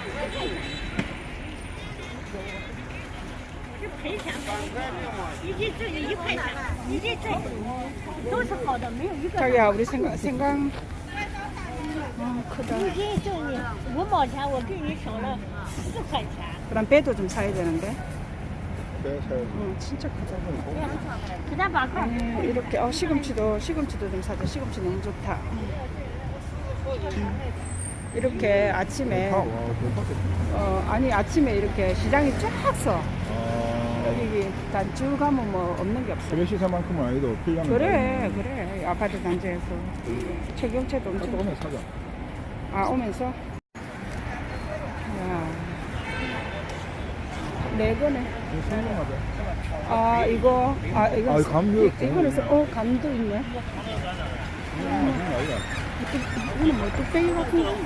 赔钱，一斤这个1块钱，一斤这个都是好的，没有一个。 자기야 우리 생강 크다. 一斤挣你5毛钱，我给你省了4块钱。 그럼 배도 좀 사야 되는데. 배 사야지. 진짜 크다. 그냥 바꿔. 이렇게 시금치도 좀 사자. 시금치 너무 좋다. 이렇게 아침에 아니 아침에 이렇게 시장이 쫙 서. 여기 단쭉 가면 뭐 없는 게 없어. 그래 시세만큼은 아니도 필요한 그래 아파트 단지에서 최경채도 또 엄청. 오면 사자. 아 오면서. 야. 네 거네. 이거 성공하자. 아 이거 감도. 이거는 감도 있네. 이거는 뭐 뚝배기 같은 거.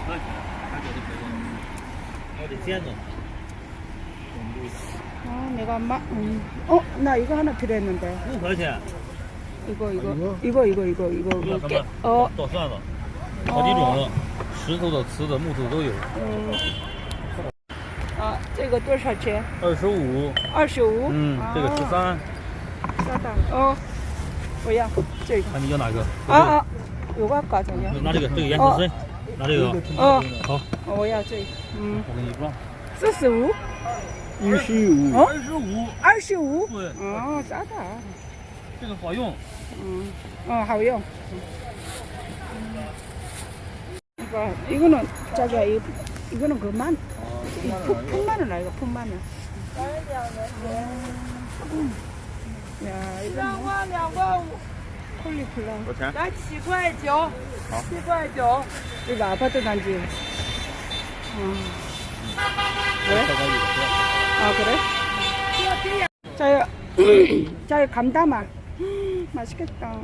내가 나 이거 하나 필요했는데. 多少钱？ 이거 哥们，都算了，好几种，石头的、瓷的、木头都有。 这个多少钱 25。 25 这个13。 싸다.我要这个。 看你要哪个？ 요거 할까 저냐? 拿这个，这个颜色深，拿这个。好。 我要这个。 我给你装。 45? 25. 25? 对。 싸다. 这个好用。 好用. 이거는 자기야 이거는 그만. 푼마늘 아이가 푼마늘. 야 이거 콜리플라워. 多少钱？ 来7.9，7.9。 이거 아파트 단지. 왜? 그래? 자기 감 담아. 맛있겠다.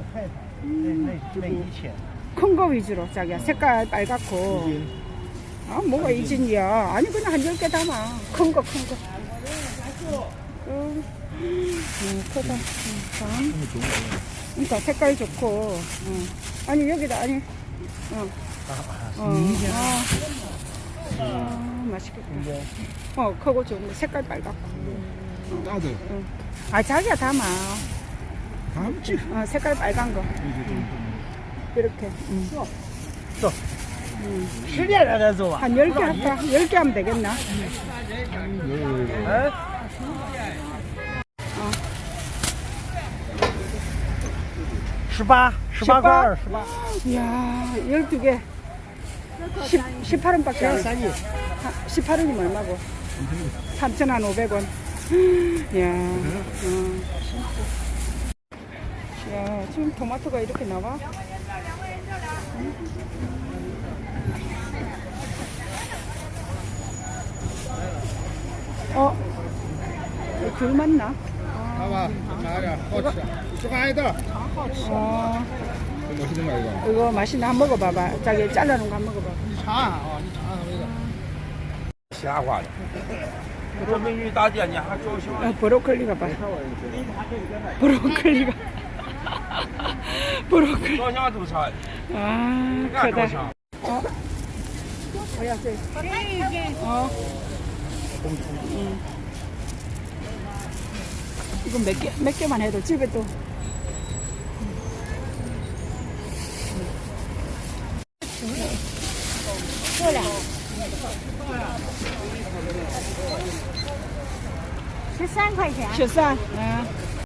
큰 거 위주로 자기야. 색깔 빨갛고. 뭐가 이진이야. 아니 그냥 한 10개 담아. 큰 거. 크다. 그러니까 색깔 좋고. 아니 여기다 아니. 맛있겠다. 크고 좋은데 색깔 빨갛고. 나도. 자기야 담아. 담지. 색깔 빨간 거. 이렇게. 10点才走啊？ 한 10개 할까? 10개 하면 되겠나? 18块28。 이야, 12개. 18원밖에 안 사. 18원이면 얼마고? 3,500원. 이야, 야, 지금 토마토가 이렇게 나와? 귤 맞나? 봐봐. 나야. 허치. 수고하다. 멋있는 거 이거. 이거 맛있나? 한번 먹어봐봐. 자기 잘라놓은 거 한번 먹어봐. 瞎话的。 这美女大姐，你还高兴？ 브로콜리가 봐. 브로콜리가. 브로콜리. 高兴都差。 크다. 뭐야, 쟤. 이건 몇 개만 해도 집에 또. 过来。 13块钱。 13.